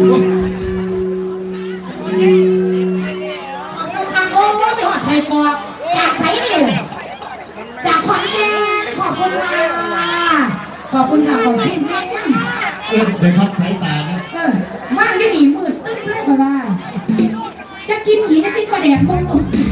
โอ้ไม่หอดใส่กอกจากใส่เดียวจากขอนแก่นขอบคุณค่ะขอบคุณค่ะขอบคุณแม่เดี๋ยวพักสายตานะว่างจะหนีมืดตึ้งเลยค่ะว่าจะกินหีจะกินปลาแดกมึง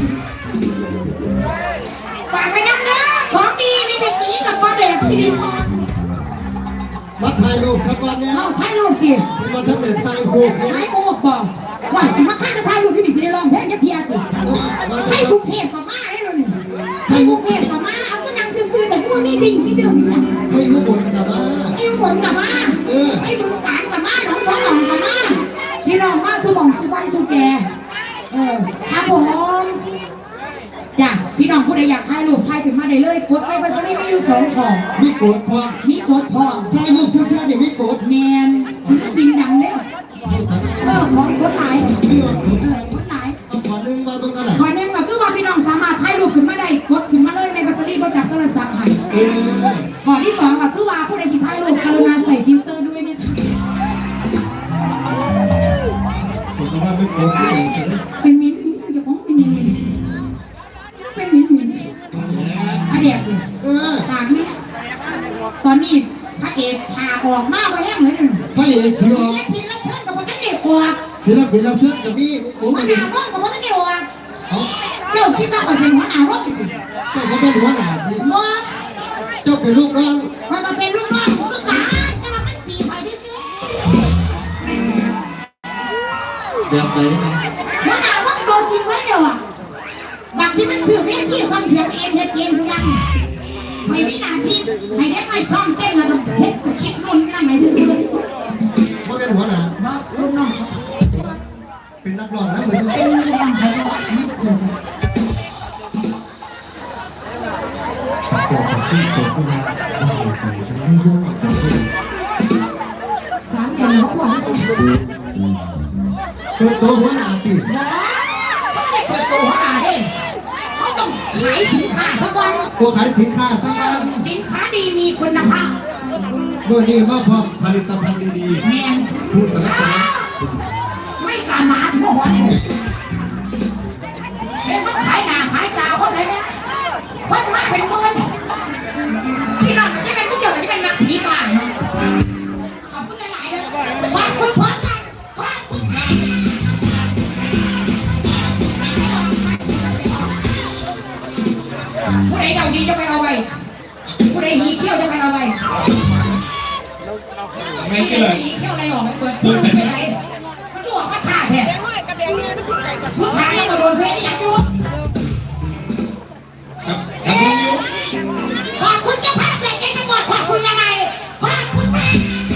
ฝากไปน้ำเนื้อของดีมีแต่หนีกับปลาแดกสิริพรมาถ่ายรูปสักวันเนี่ยเอาถ่ายรูปดิมาทั้งแต่ถ่ายรูปถ่ายรูปบอกว่าสิมาข้าจะถ่ายรูปพี่ดิสิได้ลองแพ้ยัดเทียติให้กรุงเทพกับมาได้เลยให้กรุงเทพกับมาเอาก็นั่งซื่อๆแต่พวกนี้ดิ่งไม่ดื่มนะให้ยุบนกับมาให้ยุบนกับมาให้บึงการกับมาหนองสองหนองกับมาพี่น้องมาสุบองสุวรรณสุแกครับผมจ้ะพี่น้องผู้ใดอยากถ่ายรูปถ่ายขึ้นมาได้เลยกดไปภาษาไทยมีอยู่2ของมีกดพอมีกดพอถ่ายรูปเชื่อๆเนี่ยมีกดแมนศิลปินดังเนี่ยของคนหลายคนหลายเอาขอนึงมาตรงนั้นแหละขอนึงก็คือว่าพี่น้องสามารถถ่ายรูปขึ้นมาได้กดขึ้นมาเลยในภาษาไทยก็จับโทรศัพท์ให้ข้อที่2ก็คือว่าผู้ใดสิถ่ายรูปกรุณาใส่ฟิลเตอร์ด้วยนะคะผมว่าไม่กดไม่กดเป็นมิ้นจะของเป็นมิ้นเป็นมิ้นอะเดียบเลยต่างนี้ตอนนี้พระเอกพาออกมาไว้แห้งเลยพระเอกเชียวศิลปินรับเชิญกับพระเอกออกศิลปินรับเชิญกับนี่ผมหัวหน้าว่องกับพระเอกออกเจ้าคิดว่าเป็นหัวหน้าว่องเจ้าก็เป็นหัวหน้าดิเจ้าเป็นลูกน้องมันมาเป็นลูกน้องก็ตายแต่ว่ามันสีไฟที่ซื้อแบบไหนหัวหน้าว่องโดนยิงไว้เดี๋ยวบางที่มันเสื่อมเรื่องที่ความเสียงเองเฮ็ดเองหรือยังไม่มีหน้าที่ให้ได้ไปซ้อมเต้นแล้วก็เฮ็ดก็คิดนู่นนี่นั่นไหนถึงเขาเป็นหัวหน้าลูกน้องเป็นนักร้องนะเป็นลูกน้องเขาที่โตขึ้นมาไม่ยุ่ง 3 เดือนเขาบอกตัวหัวหน้าติดเปิดตัวหัวหน้าเองเขาต้องขายสินค้าสักวันตัวขายสินค้าสักวันสินค้าดีมีคุณภาพโดยนี่มาพร้อมผลิตภัณฑ์ดีๆแมนพูดแต่ละคนไม่การมาถึงหัวเนี่ยเป็นคนขายหน้าขายตาคนไหนเนี่ยคนมาเป็นหมื่นพี่น้องจะเป็นผู้เจ้าจะเป็นนักผีบ้านเนาะขอบคุณหลายๆเลยขอบคุณพร้อมกันขอบคุณผู้ใดเดาดีจะไปเอาไปผู้ใดหีเขี้ยวจะไปเอาไปไม่เกี่ยวหีเขี้ยวอะไรออกไม่เปิดผู้ใดมันก็ออกมาขาดแท้ผู้ชายก็โดนเพลอยากดูขอบคุณเจ้าภาพเลยใจสปอร์ตขอบคุณยังไงขอบคุณค่ะ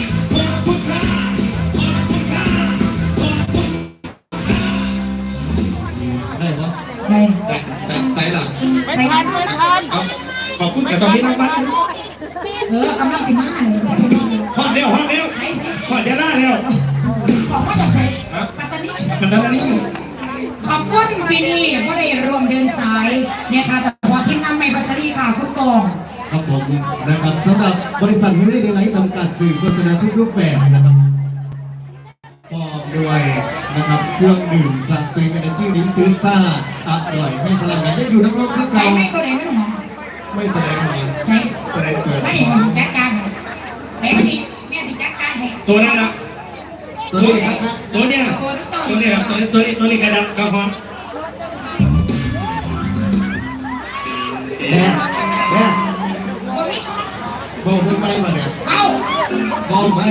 ได้ปะได้ใส่หลังไม่ทันขอบคุณแต่ตอนนี้น้องบ้านกำลังสิมาเลยพอดเร็วพอดเดี๋ยวหน้าเร็วขอบคุณจากใส่ปัตตานีขอบคุณปีนี้ก็ได้รวมเดินสายเนี่ยค่ะจากวัดที่นั่งไม่ปัสสาวะค่ะคุณตองครับผมนะครับสำหรับบริษัทมิลลิไลท์จำกัดสื่อโฆษณาทุกรูปแบบนะครับพร้อมด้วยนะครับเครื่องดื่มซันเตนเอเนจีลิ้นตื้อซ่าอร่อยให้พลังงานได้อยู่ทั้งโลกทั้งใจไม่ตัวไหนไม่หรอไม่ตัวไหนใช่ตัวไหนเกิดไม่ได้จัดการใช่ไหมแม่สิจัดการให้ตัวนั้นนะตัวนี้ครับตัวเนี้ยตัวนี้กระดับกระหอบเนี่ยบอกไปมาเนี่ยบอกไป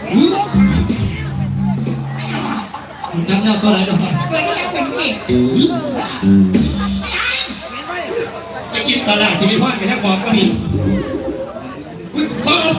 จังแล้วตัวไหนตัวนี้ยังเป็นผู้หญิงจะกินตลาดสิริพรไปแค่บอกก็มี